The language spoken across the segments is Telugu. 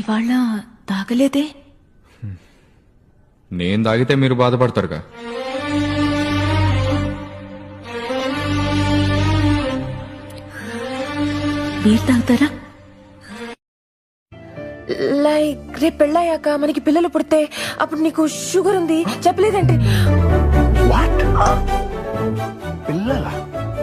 ఇవాళ తాగలేదే? నేను తాగితే మీరు బాధపడతారుగా. మీరు తాగుతారా? లైక్ రేపు పెళ్ళయ్యాక మనకి పిల్లలు పుడితే అప్పుడు నీకు షుగర్ ఉంది చెప్పలేదంటే వాట్ పిల్లలా?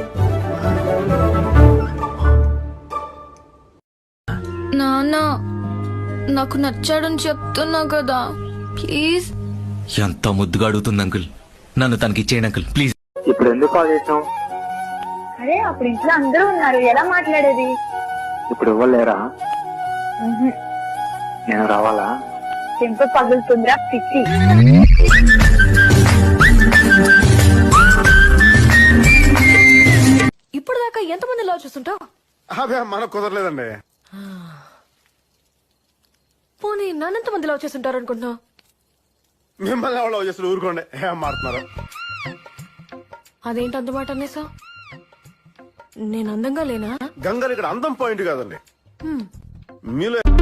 నాన్న నాకు నచ్చాడని చెప్తున్నా కదా, ప్లీజ్. ఎంత ముద్దుగా అడుగుతుంది అంకుల్. నన్ను తనకి ఇచ్చేయండి అంకుల్, ప్లీజ్. ఇప్పుడు ఎందుకు కాల్ చేసావు? అరే అప్పుడు ఇంట్లో అందరూ ఉన్నారు, ఎలా మాట్లాడేది? ఇప్పుడు ఇవ్వలేరా? నేను రావాలా? చెంప పగులుతుందిరా పిచ్చి. ఇప్పుడు దాకా ఎంతమంది లవ్ చేస్తుంటావు? అదే మనకు కుదరలేదండి. పోనీ నన్నెంత మంది లవ్ చేస్తుంటారు అనుకుంటున్నావు? మిమ్మల్ని ఎవరు లవ్ చేస్తారు? ఊరుకోండి, ఏం మారుతున్నారు? అదేంటి అందుమాట అనేసా? నేను అందంగా లేనా? గంగలు ఇక్కడ అందం పాయింట్ కాదండి, మీలో